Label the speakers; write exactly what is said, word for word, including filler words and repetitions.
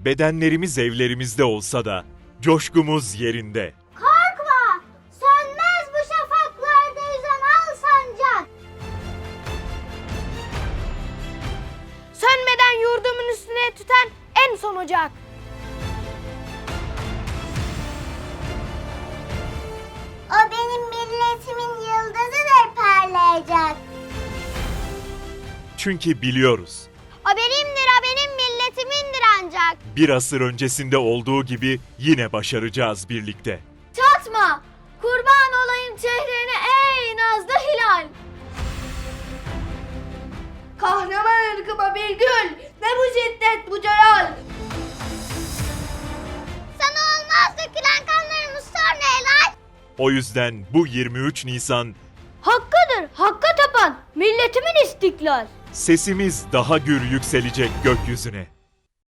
Speaker 1: Bedenlerimiz evlerimizde olsa da coşkumuz yerinde.
Speaker 2: Korkma! Sönmez bu şafaklarda yüzen al sancak.
Speaker 3: Sönmeden yurdumun üstüne tüten en son ocak.
Speaker 2: O benim milletimin yıldızıdır parlayacak.
Speaker 1: Çünkü biliyoruz,
Speaker 2: O benimdir, o benim milletimindir ancak.
Speaker 1: bir asır öncesinde olduğu gibi yine başaracağız birlikte.
Speaker 3: Çatma! Kurban olayım çehrene ey nazlı hilal! Kahraman ırkıma bir gül, ne bu şiddet bu celal!
Speaker 2: Sana olmaz dökülen kanlarımız sonra helal.
Speaker 1: O yüzden bu yirmi üç Nisan
Speaker 3: Hakkıdır, hakka tapan milletimin istiklal.
Speaker 1: sesimiz daha gür yükselecek gökyüzüne.